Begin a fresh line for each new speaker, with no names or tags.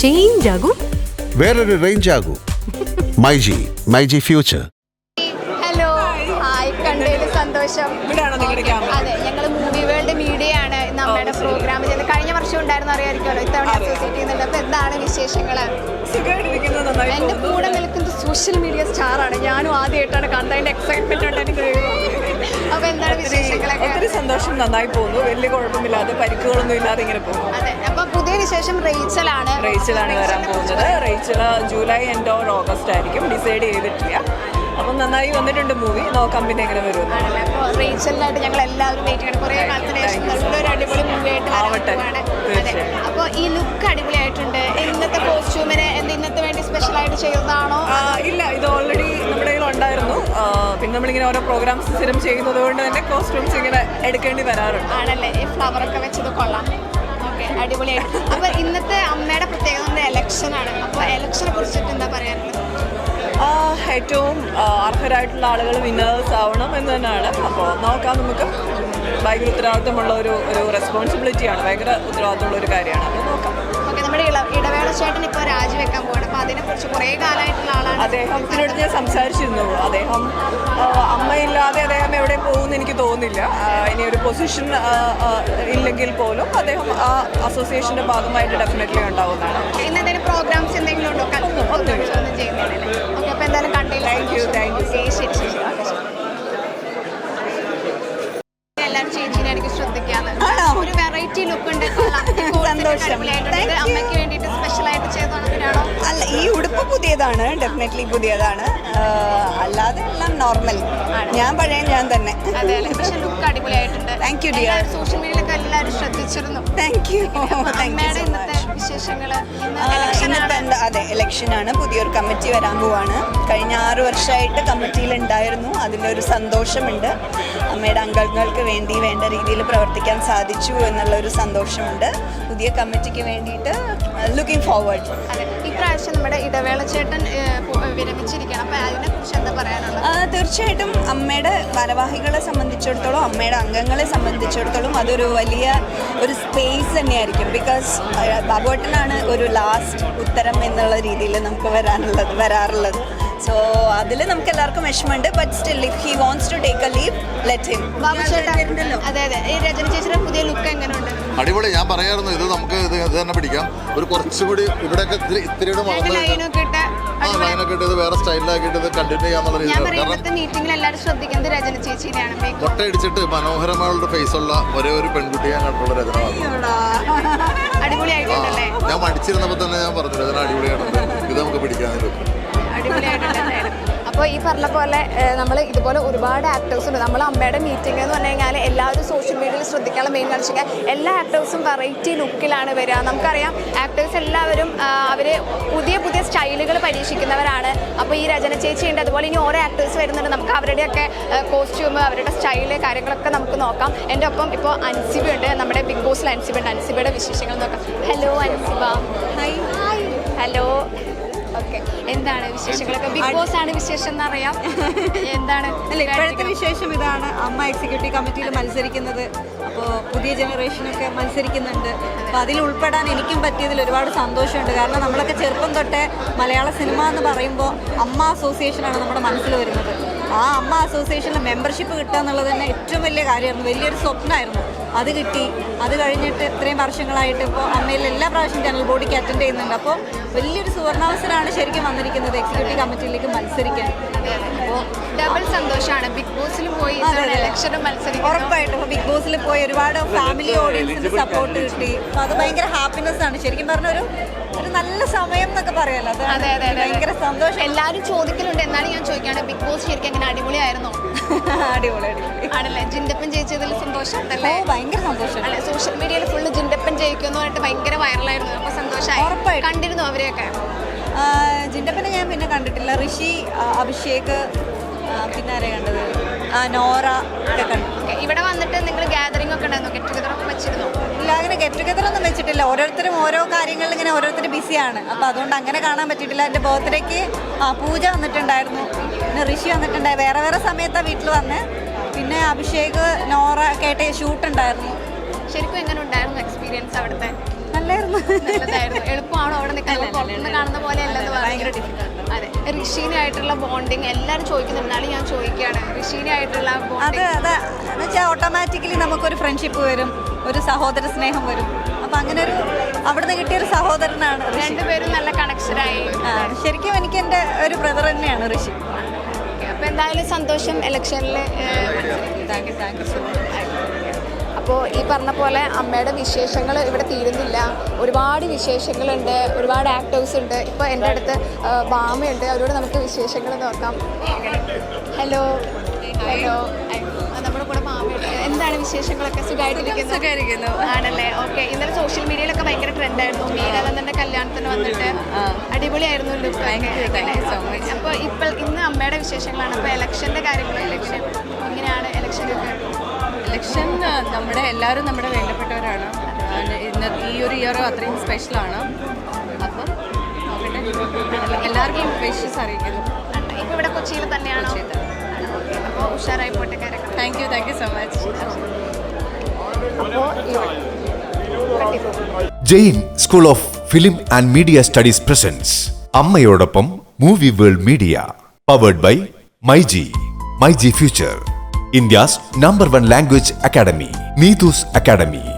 Change ആകൂ,
വേറൊരു range ആകൂ. MyG future.
ഹലോ, ഹായ്, കണ്ടതിൽ സന്തോഷം. അതെ, ഞങ്ങൾ മൂവി വേൾഡ് മീഡിയ ആണ് നമ്മുടെ പ്രോഗ്രാം ചെയ്തത്. കഴിഞ്ഞ വർഷം ഉണ്ടായിരുന്നു, അറിയാമായിരിക്കുമല്ലോ. ഇത്തവണ അസോസിയേറ്റ് ചെയ്യുന്നുണ്ട്. അപ്പോൾ എന്താണ് വിശേഷങ്ങൾ? എൻ്റെ കൂടെ നിൽക്കുന്നത് സോഷ്യൽ മീഡിയ സ്റ്റാറാണ്. ഞാനും ആദ്യമായിട്ടാണ് കാണുന്നത്. അതിൻ്റെ എക്സൈറ്റ്മെന്റ് ഉണ്ട് എനിക്ക്. അപ്പോൾ എന്താണ് വിശേഷങ്ങളൊക്കെ?
ഒത്തിരി സന്തോഷം, നന്നായി പോകുന്നു. വലിയ കുഴപ്പമില്ലാതെ പരിക്കുകളൊന്നും ഇല്ലാതെ ഇങ്ങനെ പോകുന്നു.
അതെ, അപ്പോൾ പുതിയ വിശേഷം റേച്ചലാണ്
വരാൻ പോകുന്നത്. Rachel July end or August ആയിരിക്കും, ഡിസൈഡ് ചെയ്തിട്ടില്ല. അപ്പം നന്നായി വന്നിട്ടുണ്ട് മൂവി. നോക്കാം പിന്നെ എങ്ങനെ വരും.
അപ്പോൾ റേച്ചലിനായിട്ട് ഞങ്ങൾ എല്ലാവരും വെയിറ്റ് ചെയ്യണം. കുറേ കാലത്തിന് ശേഷം നല്ലൊരു അടിപൊളി മൂവി ആയിട്ട് വരാൻ. അപ്പോൾ ഈ ലുക്ക് അടിപൊളിയായിട്ടുണ്ട്. ഇന്നത്തെ കോസ്റ്റ്യൂമിന് ഇന്നത്തെ വേണ്ടി സ്പെഷ്യലായിട്ട് ചെയ്തതാണോ?
ഇല്ല, ഇത് ഓൾറെഡി നമ്മുടെ കയ്യിൽ ഉണ്ടായിരുന്നു. പിന്നെ നമ്മളിങ്ങനെ ഓരോ പ്രോഗ്രാംസ് സ്ഥിരം ചെയ്യുന്നത് കൊണ്ട് തന്നെ കോസ്റ്റ്യൂംസ് ഇങ്ങനെ എടുക്കേണ്ടി വരാറുണ്ട്.
ആണല്ലേ, ഈ ഫ്ലവറൊക്കെ വെച്ചത് കൊള്ളാം. ഓക്കെ, അടിപൊളിയായിട്ട്. അപ്പോൾ ഇന്നത്തെ അമ്മയുടെ പ്രത്യേകത ഇലക്ഷനാണ്. അപ്പോൾ ഇലക്ഷനെ കുറിച്ചിട്ട് എന്താ പറയാനുള്ളത്?
ഏറ്റവും അർഹരായിട്ടുള്ള ആളുകൾ വിന്നേഴ്സ് ആവണം എന്ന് തന്നെയാണ്. അപ്പോൾ നോക്കാം, നമുക്ക് ഭയങ്കര ഉത്തരവാദിത്തമുള്ള ഒരു റെസ്പോൺസിബിലിറ്റിയാണ്, ഭയങ്കര ഉത്തരവാദിത്തമുള്ള ഒരു കാര്യമാണ്. അപ്പോൾ നോക്കാം.
ഓക്കെ, നമ്മുടെ ഇടവേള ചേട്ടൻ ഇപ്പോൾ രാജിവെക്കാൻ പോവാണ്. അപ്പോൾ അതിനെക്കുറിച്ച് കുറേ കാലമായിട്ടുള്ള ആളാണ്.
അദ്ദേഹത്തിനോട് ഞാൻ സംസാരിച്ചിരുന്നു. അദ്ദേഹം അമ്മയില്ലാതെ അദ്ദേഹം എവിടെ പോകുമെന്ന് എനിക്ക് തോന്നുന്നില്ല. ഇനി ഒരു പൊസിഷൻ ഇല്ലെങ്കിൽ പോലും അദ്ദേഹം ആ അസോസിയേഷൻ്റെ ഭാഗമായിട്ട് ഡെഫിനറ്റ്ലി ഉണ്ടാവുന്നതാണ്.
ഇന്ന് എന്തെങ്കിലും പ്രോഗ്രാംസ് എന്തെങ്കിലും ഉണ്ടോ? ഒന്നും ചെയ്യുന്നില്ല. ഓക്കെ, അപ്പോൾ എന്തായാലും കണ്ടില്ല.
Thank you.
ശരി. എല്ലാവരും ചേച്ചീനെ എനിക്ക് ശ്രദ്ധിക്കാതെ ഒരു വെറൈറ്റി ലുക്ക് ഉണ്ട്.
സന്തോഷം.
അമ്മയ്ക്ക് വേണ്ടിയിട്ട് സ്പെഷ്യലായിട്ട് ചെയ്തതാണോ?
അല്ല, ഈ ഉടുപ്പ് പുതിയതാണ്, ഡെഫിനറ്റ്ലി പുതിയതാണ്. അല്ലാതെ എല്ലാം നോർമൽ. ഞാൻ തന്നെ.
അതെ, പക്ഷെ ലുക്ക് അടിപൊളിയായിട്ടുണ്ട്.
Thank you dear.
സോഷ്യൽ മീഡിയയിലൊക്കെ എല്ലാവരും ശ്രദ്ധിച്ചിരുന്നു.
Thank you.
ഇന്നത്തെ വിശേഷങ്ങൾ?
അതെ, ഇലക്ഷനാണ്. പുതിയൊരു കമ്മിറ്റി വരാൻ പോവാണ്. കഴിഞ്ഞ 6 വർഷമായിട്ട് കമ്മിറ്റിയിൽ ഉണ്ടായിരുന്നു. അതിൻ്റെ ഒരു സന്തോഷമുണ്ട്. അമ്മയുടെ അംഗങ്ങൾക്ക് വേണ്ടി വേണ്ട രീതിയിൽ പ്രവർത്തിക്കാൻ സാധിച്ചു എന്നുള്ളൊരു സന്തോഷമുണ്ട്. പുതിയ കമ്മിറ്റിക്ക് വേണ്ടിയിട്ട് ലുക്കിംഗ് ഫോർവേഡ്.
അതെ, ഇപ്രാവശ്യം നമ്മുടെ ഇടവേള ചേട്ടൻ വിരമിച്ചിരിക്കണം. അപ്പോൾ അതിനെക്കുറിച്ച് എന്താ പറയാനുള്ളത്?
തീർച്ചയായിട്ടും അമ്മയുടെ ഭാരവാഹികളെ സംബന്ധിച്ചിടത്തോളം, അമ്മയുടെ അംഗങ്ങളെ സംബന്ധിച്ചിടത്തോളം അതൊരു വലിയ ഒരു സ്പേസ് തന്നെയായിരിക്കും. ബിക്കോസ് ബാബുവേട്ടനാണ് ഒരു ലാസ്റ്റ് ഉത്തരം എന്നുള്ള രീതിയിൽ നമുക്ക് വരാറുള്ളത്. സോ അതിൽ നമുക്ക് എല്ലാവർക്കും വിഷമമുണ്ട്. But still if he wants to take a leave, let him.
അതെ, ഈ രചന ചേച്ചിയുടെ പുതിയ ലുക്ക് എങ്ങനെയുണ്ട്?
അടിപൊളി. ഞാൻ പറയായിരുന്നു ഇത് നമുക്ക് ഇത് തന്നെ പിടിക്കാം. ഒരു കുറച്ചുകൂടി ഇവിടെയൊക്കെ ഇത്തിരിയുടെ ലൈനൊക്കെ ഇട്ട് ഇത് വേറെ സ്റ്റൈലിലാക്കിയിട്ട് ഇത് കണ്ടിന്യൂ ചെയ്യാന്നുള്ള രീതിയിൽ.
മീറ്റിംഗിൽ എല്ലാവരും ശ്രദ്ധിക്കുന്നത് രചന ചേച്ചിയാണ്.
മുട്ടയടിച്ചിട്ട് മനോഹരമായുള്ള ഫേസുള്ള ഒരേ ഒരു പെൺകുട്ടിയെ കണ്ടുള്ള രചന
അടിപൊളിയായിട്ടുണ്ടല്ലേ?
ഞാൻ മടിച്ചിരുന്നപ്പോൾ തന്നെ ഞാൻ പറഞ്ഞു രചന അടിപൊളിയാണ്, ഇത് നമുക്ക് പിടിക്കാനൊരു
അടിപൊളിയായിട്ടുണ്ടായിരുന്നു. അപ്പോൾ ഈ പറഞ്ഞ പോലെ നമ്മൾ ഇതുപോലെ ഒരുപാട് ആക്ടേഴ്സ് ഉണ്ട്. നമ്മൾ അമ്മയുടെ മീറ്റിംഗ് എന്ന് പറഞ്ഞു കഴിഞ്ഞാൽ എല്ലാവരും സോഷ്യൽ മീഡിയയിൽ ശ്രദ്ധിക്കാനുള്ള മെയിൻ കാണിച്ചു കഴിഞ്ഞാൽ എല്ലാ ആക്ടേഴ്സും വെറൈറ്റി ലുക്കിലാണ് വരിക. നമുക്കറിയാം ആക്ടേഴ്സ് എല്ലാവരും അവർ പുതിയ സ്റ്റൈലുകൾ പരീക്ഷിക്കുന്നവരാണ്. അപ്പോൾ ഈ രചന ചേച്ചിയുണ്ട്, അതുപോലെ ഇനി ഓരോ ആക്ടേഴ്സ് വരുന്നുണ്ട്. നമുക്ക് അവരുടെയൊക്കെ കോസ്റ്റ്യൂം, അവരുടെ സ്റ്റൈല്, കാര്യങ്ങളൊക്കെ നമുക്ക് നോക്കാം. എൻ്റെ ഒപ്പം ഇപ്പോൾ അൻസിബ ഉണ്ട്, നമ്മുടെ ബിഗ് ബോസിൽ അൻസിബ ഉണ്ട്. അൻസിബയുടെ വിശേഷങ്ങൾ നോക്കാം. Hello Ansiba. Hi. Hello. Okay, എന്താണ് വിശേഷങ്ങളൊക്കെ? ബിഗ് ബോസ് ആണ് വിശേഷം എന്നറിയാം. എന്താണ്
ഇപ്പോഴത്തെ വിശേഷം? ഇതാണ്, അമ്മ എക്സിക്യൂട്ടീവ് കമ്മിറ്റിയിൽ മത്സരിക്കുന്നത്. അപ്പോൾ പുതിയ ജനറേഷനൊക്കെ മത്സരിക്കുന്നുണ്ട്. അപ്പോൾ അതിൽ ഉൾപ്പെടാൻ എനിക്കും പറ്റിയതിൽ ഒരുപാട് സന്തോഷമുണ്ട്. കാരണം നമ്മളൊക്കെ ചെറുപ്പം തൊട്ടേ മലയാള സിനിമ എന്ന് പറയുമ്പോൾ അമ്മ അസോസിയേഷനാണ് നമ്മുടെ മനസ്സിൽ വരുന്നത്. ആ അമ്മ അസോസിയേഷനിൽ മെമ്പർഷിപ്പ് കിട്ടുക എന്നുള്ളത് തന്നെ ഏറ്റവും വലിയ കാര്യമായിരുന്നു, വലിയൊരു സ്വപ്നമായിരുന്നു. അത് കിട്ടി. അത് കഴിഞ്ഞിട്ട് ഇത്രയും വർഷങ്ങളായിട്ട് ഇപ്പോൾ അമ്മയിൽ എല്ലാ പ്രാവശ്യം ജനറൽ ബോഡിക്ക് അറ്റൻഡ് ചെയ്യുന്നുണ്ട്. അപ്പോൾ വലിയൊരു സുവർണാവസരമാണ് ശരിക്കും വന്നിരിക്കുന്നത് എക്സിക്യൂട്ടീവ് കമ്മിറ്റിയിലേക്ക് മത്സരിക്കാൻ.
അപ്പോൾ ഡബിൾ സന്തോഷമാണ്. ബിഗ് ബോസിൽ പോയി ഇലക്ഷനും മത്സരിക്കും.
ഉറപ്പായിട്ടും ഇപ്പോൾ ബിഗ് ബോസിൽ പോയി ഒരുപാട് ഫാമിലി ഓഡിയൻസിൻ്റെ സപ്പോർട്ട് കിട്ടി. അപ്പോൾ അത് ഭയങ്കര ഹാപ്പിനെസ് ആണ്. ശരിക്കും പറഞ്ഞൊരു നല്ല സമയം എന്നൊക്കെ പറയാമല്ലോ.
അതെ,
ഭയങ്കര സന്തോഷം.
എല്ലാവരും ചോദിക്കലുണ്ട്. എന്നാലും ഞാൻ ചോദിക്കുകയാണ്, ബിഗ് ബോസ് ശരിക്കും എങ്ങനെ അടിപൊളിയായിരുന്നോ?
അടിപൊളി
ആണല്ലേ? ജിൻഡപ്പൻ ജയിച്ചതിൽ സന്തോഷം ഉണ്ടല്ലേ?
ഭയങ്കര സന്തോഷം.
അല്ലെ, സോഷ്യൽ മീഡിയയിൽ ഫുള്ള് ജിൻഡപ്പൻ ജയിക്കുമെന്ന് പറഞ്ഞിട്ട് ഭയങ്കര വൈറലായിരുന്നു. അപ്പോൾ സന്തോഷമായി. കണ്ടിരുന്നു അവരെയൊക്കെ?
ജിൻഡപ്പനെ ഞാൻ പിന്നെ കണ്ടിട്ടില്ല. ഋഷി, അഭിഷേക്, പിന്നെ ആരെയാണ് കണ്ടത്? നോറ ഒക്കെ കണ്ടു.
ഇവിടെ വന്നിട്ട് നിങ്ങൾ ഗാദറിംഗ് ഒക്കെ ഉണ്ടായിരുന്നു, ഗെറ്റ് ടുഗദർ ഒക്കെ വെച്ചിരുന്നു?
ഇല്ല, അങ്ങനെ ഗെറ്റ് ടുഗദർ ഒന്നും വെച്ചിട്ടില്ല. ഓരോരുത്തരും ഓരോ കാര്യങ്ങളിൽ ഇങ്ങനെ ഓരോരുത്തർ ബിസിയാണ്. അപ്പോൾ അതുകൊണ്ട് അങ്ങനെ കാണാൻ പറ്റിയിട്ടില്ല. എൻ്റെ ബർത്ത്ഡേക്ക് പൂജ വന്നിട്ടുണ്ടായിരുന്നു, പിന്നെ ഋഷി വന്നിട്ടുണ്ടായി. വേറെ സമയത്താണ് വീട്ടിൽ വന്ന്. പിന്നെ അഭിഷേക്, നോറ ഒക്കെ ആയിട്ട് ഷൂട്ട് ഉണ്ടായിരുന്നു.
ശരിക്കും എങ്ങനെ ഉണ്ടായിരുന്നു എക്സ്പീരിയൻസ് അവിടുത്തെ?
നല്ലായിരുന്നു.
നല്ലതായിരുന്നു. എളുപ്പമാണോ അവിടെ നിൽക്കുന്നത്? പുറത്തുനിന്ന് കാണുന്ന പോലെ അല്ലെന്ന്
ഭയങ്കര
പറഞ്ഞു.
ഡിഫിക്കൽട്ട്.
അതെ, ഋഷീനായിട്ടുള്ള ബോണ്ടിങ് എല്ലാവരും ചോദിക്കുന്നുണ്ടാലും ഞാൻ ചോദിക്കുകയാണ്, ഋഷീനായിട്ടുള്ള
അത്
ബോണ്ടിങ്
അത് എന്ന് വെച്ചാൽ ഓട്ടോമാറ്റിക്കലി നമുക്കൊരു ഫ്രണ്ട്ഷിപ്പ് വരും, ഒരു സഹോദര സ്നേഹം വരും. അപ്പം അങ്ങനെ ഒരു അവിടുന്ന് കിട്ടിയൊരു സഹോദരനാണ് ഋഷി.
രണ്ടുപേരും നല്ല കണക്ഷനായി.
ശരിക്കും എനിക്ക് എൻ്റെ ഒരു ബ്രദർ തന്നെയാണ് ഋഷി.
അപ്പോൾ എന്തായാലും സന്തോഷം ഇലക്ഷനിൽ.
Thank you so much.
അപ്പോൾ ഈ പറഞ്ഞ പോലെ അമ്മയുടെ വിശേഷങ്ങൾ ഇവിടെ തീരുന്നില്ല. ഒരുപാട് വിശേഷങ്ങളുണ്ട്, ഒരുപാട് ആക്ടേഴ്സ് ഉണ്ട്. ഇപ്പോൾ എൻ്റെ അടുത്ത് ബാമയുണ്ട്, അവരോട് നമുക്ക് വിശേഷങ്ങൾ നോക്കാം. ഹലോ ഹലോ, നമ്മുടെ കൂടെ ബാമയുണ്ട്. എന്താണ് വിശേഷങ്ങളൊക്കെ? സുഖമായിട്ടിരിക്കുന്നു ആണല്ലേ? ഓക്കെ. ഇന്നലെ സോഷ്യൽ മീഡിയയിലൊക്കെ ഭയങ്കര ട്രെൻഡായിരുന്നു. മീരാനന്ദൻ്റെ കല്യാണത്തിന് വന്നിട്ട് അടിപൊളിയായിരുന്നു ലുക്ക്. അപ്പോൾ ഇന്ന് അമ്മയുടെ വിശേഷങ്ങളാണ്. അപ്പോൾ ഇലക്ഷൻ്റെ കാര്യങ്ങളും ഇലക്ഷൻ എങ്ങനെയാണ്?
ഇലക്ഷൻ നമ്മുടെ എല്ലാവരും നമ്മുടെ വേണ്ടപ്പെട്ടവരാണ്. ഇന്ന് ഈ ഒരു ഇയർ അത്രയും സ്പെഷ്യലാണ്. അപ്പം എല്ലാവർക്കും വിഷസ് അറിയിക്കുന്നു.
ഇപ്പോൾ ഇവിടെ കൊച്ചിയിൽ തന്നെയാണ്. അപ്പോൾ ഉഷാറായി പോട്ടെ കാര്യങ്ങൾ.
Thank you so much.
Jain school of film and media studies presence അമ്മയോടൊപ്പം movie world media powered by myG future, India's #1 language academy, Neetu's Academy.